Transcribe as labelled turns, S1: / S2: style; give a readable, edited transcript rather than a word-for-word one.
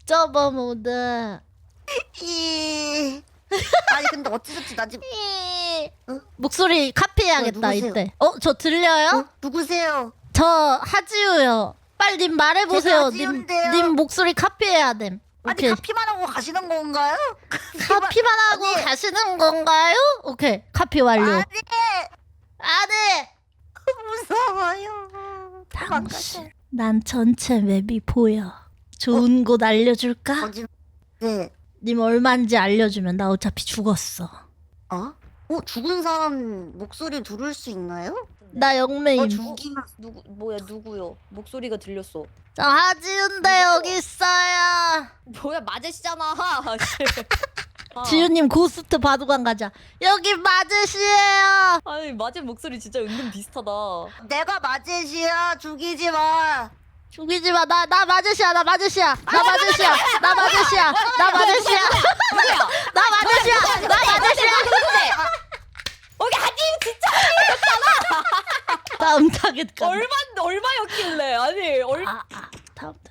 S1: 옵저버 모드.
S2: 아니 근데 어찌저찌 나 지금
S1: 목소리 카피해야겠다
S2: 누구세요?
S1: 이때. 저 들려요?
S2: 누구세요?
S1: 저 하지우요. 빨리 님 말해보세요.
S2: 제가
S1: 님,
S2: 하지우인데요.
S1: 님 목소리 카피해야 됨.
S2: 아니
S1: 오케이.
S2: 카피만 하고 가시는 건가요?
S1: 카피만 하고
S2: 아니.
S1: 가시는 건가요? 오케이. 카피 완료.
S2: 아니
S1: 안해.
S2: 무서워요.
S1: 당신. 난 전체 맵이 보여. 좋은 곳 알려줄까?
S2: 거짓. 네.
S1: 님 얼마인지 알려주면 나 어차피 죽었어.
S2: 어? 죽은 사람 목소리 들을 수 있나요?
S1: 나 영매임.
S2: 죽이면
S3: 누구요? 목소리가 들렸어.
S1: 저 하지훈데 여기 있어요.
S3: 뭐야 마제시잖아.
S1: 지훈님 고스트 바둑관 가자. 여기 마제시예요.
S3: 아니 마제 목소리 진짜 은근 비슷하다.
S2: 내가 마제시야. 죽이지 마.
S1: 죽이지 마. 나 마제시야. 나 마제시야. 나 마제시야. 나 마제시야. 나 마제시야.
S3: 누구야?
S1: 나 마제시야. 나 마제시야.
S3: 여기 하지 진짜
S1: 다음 타겟 가.
S3: 얼마였길래? 아니
S1: 다음 타겟.